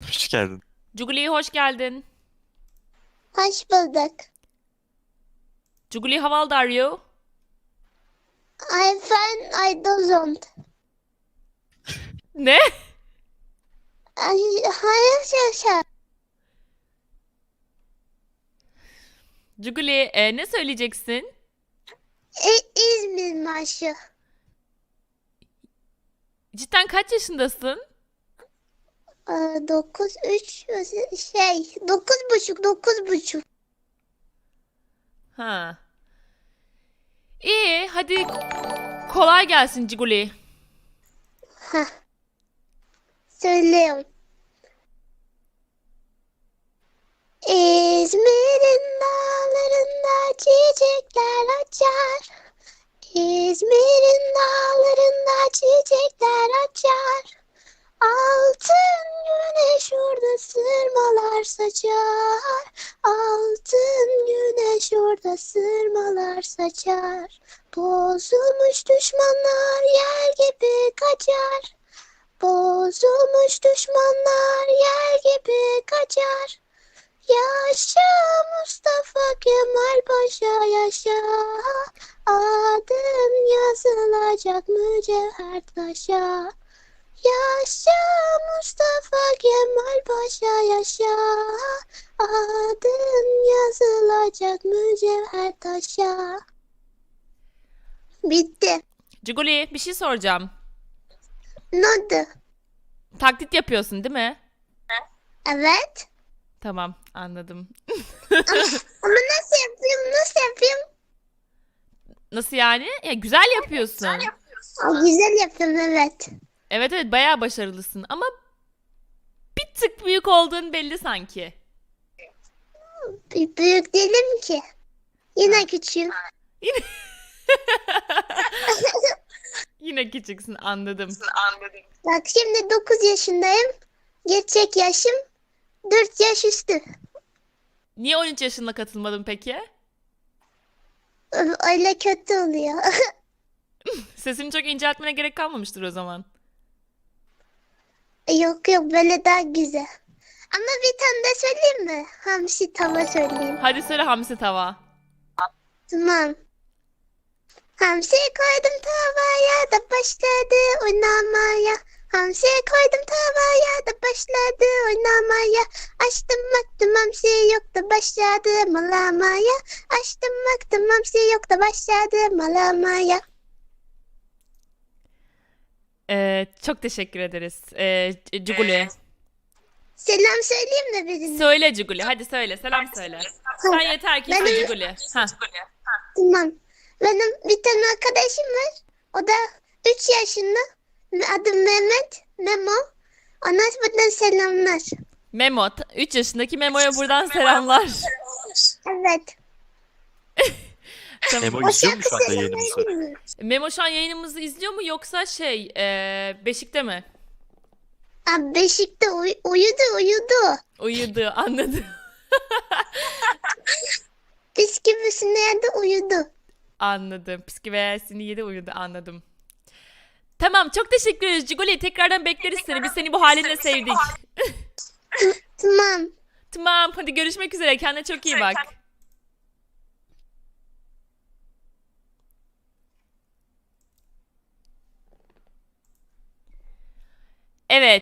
Hoş geldin. Cuguli hoş geldin. Hoş bulduk. Cuguli, how old are you? I'm fine. I don't. Ne? Hayır yaşa. Cuguli, ne söyleyeceksin? İzmir marşı. Cidden kaç yaşındasın? 9 3 9,5. Ha. İyi, hadi kolay gelsin Cuguli. Heh, söylüyorum. İzmir'in dağlarında çiçekler açar. İzmir'in dağlarında çiçekler açar. Altın güneş orada sırmalar saçar. Altın güneş orada sırmalar saçar. Bozulmuş düşmanlar yer gibi kaçar. Bozulmuş düşmanlar yer gibi kaçar. Yaşa Mustafa Kemal Paşa yaşa. Adın yazılacak mücevher taşa. Yaşa Mustafa Kemal Paşa yaşa. Adın yazılacak mücevher taşa. Bitti. Cuguli, bir şey soracağım. Ne oldu? Taklit yapıyorsun değil mi? Evet. Tamam, anladım. Ama nasıl yapayım? Nasıl yapayım? Nasıl yani? Ya, güzel yapıyorsun. Güzel yapıyorum evet. Evet evet, bayağı başarılısın ama bir tık büyük olduğun belli sanki. Büyük değilim ki. Yine küçüğüm. Yine, yine küçüksün, anladım. Bak şimdi 9 yaşındayım. Gerçek yaşım 4 yaş üstü. Niye 13 yaşında katılmadın peki? Öyle kötü oluyor. Sesini çok inceltmene gerek kalmamıştır o zaman. Yok yok böyle daha güzel. Ama bir tane de söyleyeyim mi? Hamsi tava söyleyeyim. Hadi söyle hamsi tava. Tamam. Hamsi koydum tavaya da başladı oynamaya. Hamsi koydum tavaya da başladı oynamaya. Açtım baktım hamsi yok da başladı malamaya. Açtım baktım hamsi yok da başladı malamaya. Çok teşekkür ederiz. Cuguli. Selam söyleyeyim mi birine? Söyle Cuguli, hadi söyle, selam söyle. Sen yeter ki iste Cuguli. Ha. Tamam. Benim bir tane arkadaşım var. O da 3 yaşında. Adı Mehmet. Memo. Ona buradan selamlar. Memo, 3 yaşındaki Memo'ya buradan selamlar. Evet. Tamam. Memo izliyor mu şu anda yayınımızı? söyleyebilir mi? Memo şu an yayınımızı izliyor mu yoksa Beşik'te mi? Abi Beşik'te uyudu. Uyudu, anladım. Bisküvisini yerde uyudu. Anladım. Psikiyatrisini yedi, uyudu, anladım. Tamam, çok teşekkür ederiz Cuguli. Tekrardan bekleriz seni. Biz seni bu halinle sevdik. Tamam. Tamam, hadi görüşmek üzere. Kendine çok iyi bak. Evet.